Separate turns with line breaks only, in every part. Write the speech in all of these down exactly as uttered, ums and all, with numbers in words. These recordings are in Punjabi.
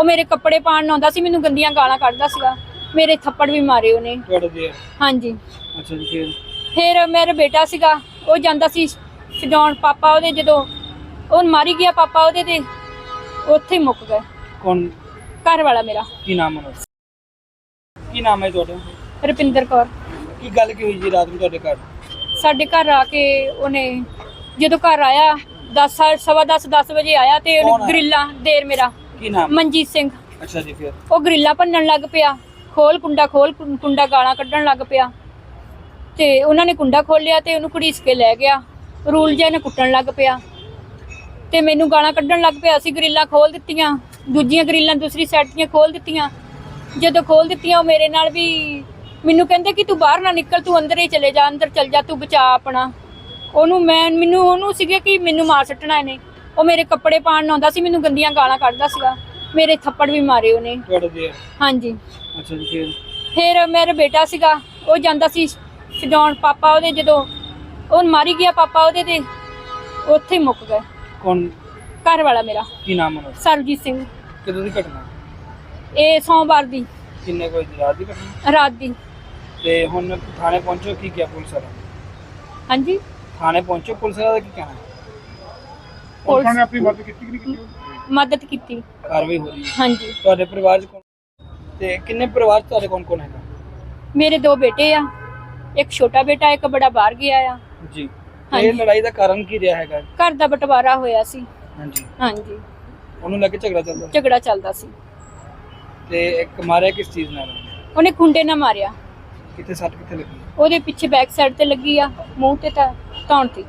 ਉਹ ਮੇਰੇ ਕੱਪੜੇ ਪਾਣ ਆਉਂਦਾ ਸੀ, ਮੈਨੂੰ ਗੰਦੀਆਂ ਗਾਲਾਂ ਕੱਢਦਾ ਸੀਗਾ, ਮੇਰੇ ਥੱਪੜ ਵੀ ਮਾਰੇ ਉਹਨੇ। ਹਾਂਜੀ।
ਅੱਛਾ ਜੀ। ਫਿਰ
ਫਿਰ ਮੇਰਾ ਬੇਟਾ ਸੀਗਾ, ਉਹ ਜਾਂਦਾ ਸੀ ਛਡਾਉਣ, ਪਾਪਾ ਉਹਦੇ ਜਦੋਂ ਉਹ ਮਾਰੀ ਗਿਆ ਪਾਪਾ ਉਹਦੇ ਤੇ ਉੱਥੇ ਹੀ ਮੁੱਕ ਗਏ।
ਕੌਣ?
ਘਰ ਵਾਲਾ ਮੇਰਾ।
ਕੀ ਨਾਮ ਹੈ? ਕੀ ਨਾਮ ਹੈ ਤੁਹਾਡਾ?
ਰੁਪਿੰਦਰ ਕੌਰ।
ਕੀ ਗੱਲ ਕੀ ਹੋਈ ਜੀ ਰਾਤ ਨੂੰ ਤੁਹਾਡੇ ਘਰ?
ਸਾਡੇ ਘਰ ਆ ਕੇ ਉਹਨੇ ਜਦੋਂ ਘਰ ਆਇਆ ਦਸ ਸਵਾ ਦਸ ਦਸ ਵਜੇ ਆਇਆ ਤੇ ਉਹਨੇ ਗਰਿੱਲਾਂ, ਦੇਰ ਮੇਰਾ
ਕੀ ਨਾਮ?
ਮਨਜੀਤ ਸਿੰਘ।
ਅੱਛਾ ਜੀ। ਫਿਰ
ਉਹ ਗਰਿੱਲਾਂ ਭੰਨਣ ਲੱਗ ਪਿਆ, ਖੋਲ ਕੁੰਡਾ, ਖੋਲ ਕੁੰਡਾ, ਗਾਲਾਂ ਕੱਢਣ ਲੱਗ ਪਿਆ ਤੇ ਉਹਨਾਂ ਨੇ ਕੁੰਡਾ ਖੋਲਿਆ ਤੇ ਉਹਨੂੰ ਘੜੀਸ ਕੇ ਲੈ ਗਿਆ। ਰੂਲ ਜਿਹਾ ਨੇ ਕੁੱਟਣ ਲੱਗ ਪਿਆ ਤੇ ਮੈਨੂੰ ਗਾਲਾਂ ਕੱਢਣ ਲੱਗ ਪਿਆ। ਅਸੀਂ ਗਰਿੱਲਾਂ ਖੋਲ ਦਿੱਤੀਆਂ, ਦੂਜੀਆਂ ਗਰਿੱਲਾਂ ਦੂਸਰੀ ਸਾਈਡ ਦੀਆਂ ਖੋਲ ਦਿੱਤੀਆਂ। ਜਦੋਂ ਖੋਲ ਦਿੱਤੀਆਂ ਉਹ ਮੇਰੇ ਨਾਲ ਵੀ ਮੈਨੂੰ ਕਹਿੰਦੇ ਕਿ ਤੂੰ ਬਾਹਰ ਨਾ ਨਿਕਲ, ਤੂੰ ਅੰਦਰ ਹੀ ਚਲੇ ਜਾ, ਅੰਦਰ ਚਲ ਜਾ, ਤੂੰ ਬਚਾ ਆਪਣਾ। ਉਹਨੂੰ ਮੈਂ ਮੈਨੂੰ ਉਹਨੂੰ ਸੀਗਾ ਕਿ ਮੈਨੂੰ ਮਾਰ ਸੱਟਣਾ ਇਹਨੇ। ਉਹ ਮੇਰੇ ਕੱਪੜੇ ਪਾਣ ਆਉਂਦਾ ਸੀ, ਮੈਨੂੰ ਗੰਦੀਆਂ ਗਾਲਾਂ ਕੱਢਦਾ ਸੀਗਾ, ਮੇਰੇ ਥੱਪੜ ਵੀ ਮਾਰੇ ਉਹਨੇ। ਹਾਂਜੀ।
ਅੱਛਾ ਜੀ। ਫਿਰ
ਫਿਰ ਮੇਰਾ ਬੇਟਾ ਸੀਗਾ, ਉਹ ਜਾਂਦਾ ਸੀ ਛਡਾਉਣ, ਪਾਪਾ ਉਹਦੇ ਜਦੋਂ ਉਹ ਮਾਰੀ ਗਿਆ ਪਾਪਾ ਉਹਦੇ ਤੇ ਉੱਥੇ ਹੀ ਮੁੱਕ ਗਏ।
ਕੌਣ?
ਘਰ ਵਾਲਾ ਮੇਰਾ।
ਕੀ ਨਾਮ ਹੈ?
ਸਰਜੀਤ ਸਿੰਘ।
ਕਿਦੋਂ ਦੀ ਘਟਨਾ?
ਇਹ ਸੋਮਵਾਰ ਦੀ
ਕਿੰਨੇ ਕੋਈ ਰਾਤ ਦੀ ਘਟਨਾ?
ਰਾਤ ਦੀ।
ਤੇ ਹੁਣ ਥਾਣੇ ਪਹੁੰਚੋ, ਕੀ ਕਿਹਾ ਪੁਲਿਸ ਵਾਲਾ?
ਹਾਂਜੀ,
ਥਾਣੇ ਪਹੁੰਚੋ, ਪੁਲਿਸ ਵਾਲਾ ਦਾ ਕੀ ਕਹਿਣਾ?
ਪੁਲਿਸ
ਨੇ ਆਪਣੀ ਮਦਦ ਕੀਤੀ ਕਿ ਨਹੀਂ ਕੀਤੀ?
ਮਦਦ ਕੀਤੀ।
ਕਾਰਵਾਈ ਹੋ ਰਹੀ ਹੈ।
ਹਾਂਜੀ।
ਤੁਹਾਡੇ ਪਰਿਵਾਰ ਚ ਕੌਣ ਤੇ ਕਿੰਨੇ ਪਰਿਵਾਰ ਚ ਤੁਹਾਡੇ ਕੌਣ ਕੌਣ ਹੈਗਾ?
ਮੇਰੇ ਦੋ ਬੇਟੇ ਆ, ਇੱਕ ਛੋਟਾ ਬੇਟਾ, ਇੱਕ ਬੜਾ ਬਾਹਰ ਗਿਆ ਆ
ਜੀ।
ਹਾਂਜੀ।
ਇਹ ਲੜਾਈ ਦਾ ਕਾਰਨ ਕੀ ਰਿਹਾ ਹੈਗਾ?
ਘਰ ਦਾ ਬਟਵਾਰਾ ਹੋਇਆ ਸੀ।
ਹਾਂਜੀ।
ਹਾਂਜੀ,
ਉਹਨੂੰ ਲੈ ਕੇ ਝਗੜਾ ਚੱਲਦਾ?
ਝਗੜਾ ਚੱਲਦਾ ਸੀ।
ਤੇ ਇੱਕ ਮਾਰਿਆ ਕਿਸ ਚੀਜ਼ ਨਾਲ?
ਉਹਨੇ ਖੁੰਡੇ ਨਾਲ ਮਾਰਿਆ।
ਕਿੱਥੇ ਸੱਟ ਕਿੱਥੇ ਲੱਗੀ?
ਉਹਦੇ ਪਿੱਛੇ ਬੈਕ ਸਾਈਡ ਤੇ ਲੱਗੀ ਆ, ਮੂੰਹ ਤੇ ਤਾਂ ਧੌਣ ਤੇ।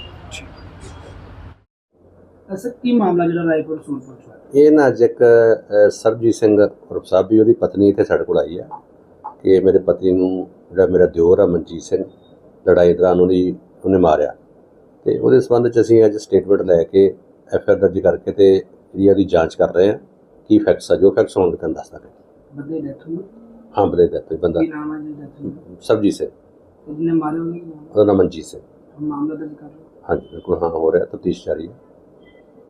ਅਸਲ ਕੀ ਮਾਮਲਾ ਜਿਹੜਾ ਰਾਏਪੁਰ ਸੂਰਪੁਰ ਚ ਹੋਇਆ?
ਇਹ ਨਾ ਅੱਜ ਇੱਕ ਅ, ਸਰਬਜੀਤ ਸਿੰਘ ਉਰਫ ਸਾਬੀ, ਉਹਦੀ ਪਤਨੀ ਇੱਥੇ ਸਾਡੇ ਕੋਲ ਆਈ ਆ ਕਿ ਮੇਰੇ ਪਤੀ ਨੂੰ ਜਿਹੜਾ ਮੇਰਾ ਦਿਓਰ ਆ ਮਨਜੀਤ ਸਿੰਘ, ਲੜਾਈ ਦੌਰਾਨ ਉਹਦੀ ਉਹਨੇ ਮਾਰਿਆ। ਤੇ ਉਹਦੇ ਸੰਬੰਧ 'ਚ ਅਸੀਂ ਅੱਜ ਸਟੇਟਮੈਂਟ ਲੈ ਕੇ ਐਫ ਆਈ ਆਰ ਦਰਜ ਕਰਕੇ ਤੇ ਜਿਹੜੀ ਉਹਦੀ ਜਾਂਚ ਕਰ ਰਹੇ ਹਾਂ। ਕੀ ਫੈਕਟਸ ਆ, ਜੋ ਫੈਕਟਸ ਹੋਣਗੇ ਤੁਹਾਨੂੰ ਦੱਸ ਦਾਂਗੇ।
ਬੰਦੇ ਡੈਥ ਹੋਈ?
ਹਾਂ, ਬੰਦੇ ਦੀ ਡੈਥ ਹੋਈ। ਬੰਦਾ
ਕੀ ਨਾਮ ਹੈ ਜੀ ਡੈਥ ਹੋਈ?
ਸਰਬਜੀਤ ਸਿੰਘ।
ਜਿਹਨੇ ਮਾਰੇ ਉਹਨੇ ਕੀ ਨਾਮ?
ਉਹਦਾ ਨਾਮ ਮਨਜੀਤ ਸਿੰਘ।
ਮਾਮਲਾ ਦਰਜ ਕਰ ਲਓ।
ਹਾਂਜੀ ਬਿਲਕੁਲ, ਹਾਂ ਹੋ ਰਿਹਾ, ਤਫਤੀਸ਼ ਜਾਰੀ ਹੈ।